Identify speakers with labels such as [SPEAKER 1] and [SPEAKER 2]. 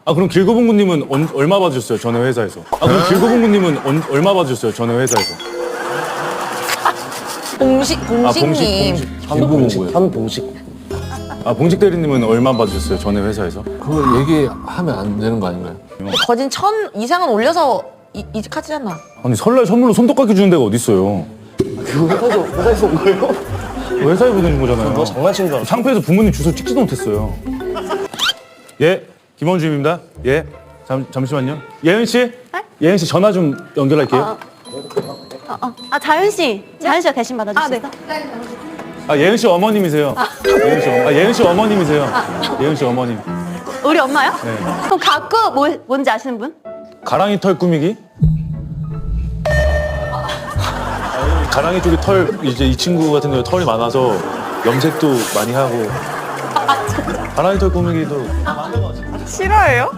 [SPEAKER 1] 아 그럼 길고봉구님은 얼마 받으셨어요? 전에 회사에서. 아 그럼 길고봉구님은 얼마 받으셨어요? 전에 회사에서.
[SPEAKER 2] 봉식님.
[SPEAKER 3] 현봉식.
[SPEAKER 1] 아 봉식 대리님은 얼마 받으셨어요? 전에 회사에서.
[SPEAKER 3] 그거 얘기하면 안 되는 거 아닌가요?
[SPEAKER 2] 거진 1000 이상은 올려서 이직하잖아.
[SPEAKER 1] 아니 설날 선물로 손톱깎이 주는 데가 어딨어요?
[SPEAKER 3] 그 회사에서 온 거예요?
[SPEAKER 1] 회사에 보내준 거잖아요.
[SPEAKER 3] 너 장난친 줄 알았어.
[SPEAKER 1] 상표에서 부모님 주소 찍지도 못했어요. 예, 김원주입니다. 예, 잠시만요. 예은 씨, 예은 씨 전화 좀 연결할게요.
[SPEAKER 4] 아, 자윤 씨가 대신 받아주시겠어?
[SPEAKER 1] 아 예은 씨 어머님이세요. 예은 씨 어머님이세요. 예은 씨 어머님.
[SPEAKER 4] 우리 엄마요?
[SPEAKER 1] 네.
[SPEAKER 4] 그럼 가꾸 뭔지 아시는 분?
[SPEAKER 1] 가랑이 털 꾸미기? 가랑이 쪽에 털 이제 이 친구 같은 경우 털이 많아서 염색도 많이 하고 가랑이 털 꾸미기도
[SPEAKER 2] 싫어해요?